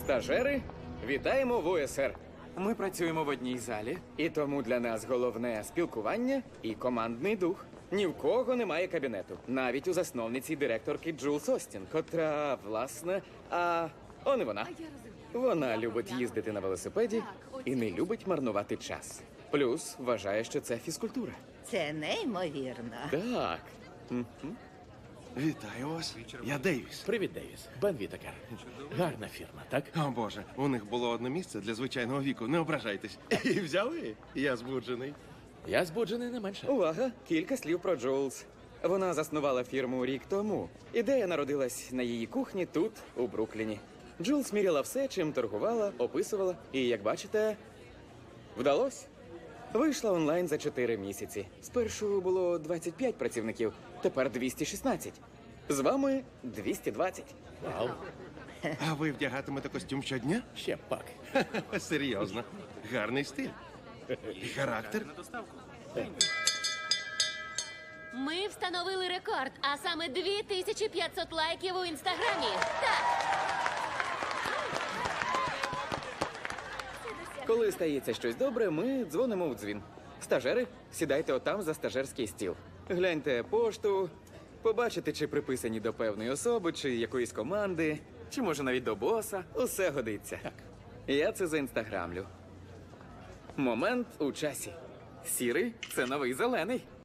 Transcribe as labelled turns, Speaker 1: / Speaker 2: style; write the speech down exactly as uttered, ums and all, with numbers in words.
Speaker 1: Стажери, вітаємо в УСР.
Speaker 2: Ми працюємо в одній залі.
Speaker 1: І тому для нас головне спілкування і командний дух. Ні в кого немає кабінету. Навіть у засновниці і директорки Джулс Остін, котра, власне, а он і вона. Вона любить їздити на велосипеді і не любить марнувати час. Плюс вважає, що це фізкультура.
Speaker 3: Це неймовірно.
Speaker 1: Так.
Speaker 4: Вітаю вас. Я Дейвіс.
Speaker 5: Привіт, Дейвіс. Бен Вітакер. Гарна фірма, так?
Speaker 4: О, Боже, у них було одне місце для звичайного віку. Не ображайтесь. І взяли? Я збуджений.
Speaker 5: Я збуджений не менше.
Speaker 1: Увага! Кілька слів про Джулс. Вона заснувала фірму рік тому. Ідея народилась на її кухні тут, у Брукліні. Джулс міряла все, чим торгувала, описувала. І, як бачите, вдалось. Вийшла онлайн за чотири місяці. Спершу було двадцять п'ять працівників, тепер двісті шістнадцять. З вами двісті двадцять.
Speaker 5: Вау.
Speaker 4: А ви вдягатимете костюм щодня?
Speaker 5: Ще пак.
Speaker 4: Серйозно. Гарний стиль. І характер.
Speaker 6: Ми встановили рекорд, а саме дві тисячі п'ятсот лайків у інстаграмі. Так,
Speaker 1: Коли стається щось добре, ми дзвонимо в дзвін. Стажери, сідайте отам за стажерський стіл. Гляньте пошту, побачите, чи приписані до певної особи, чи якоїсь команди, чи може навіть до боса. Усе годиться. Так. Я це заінстаграмлю. Момент у часі. Сірий – це новий зелений.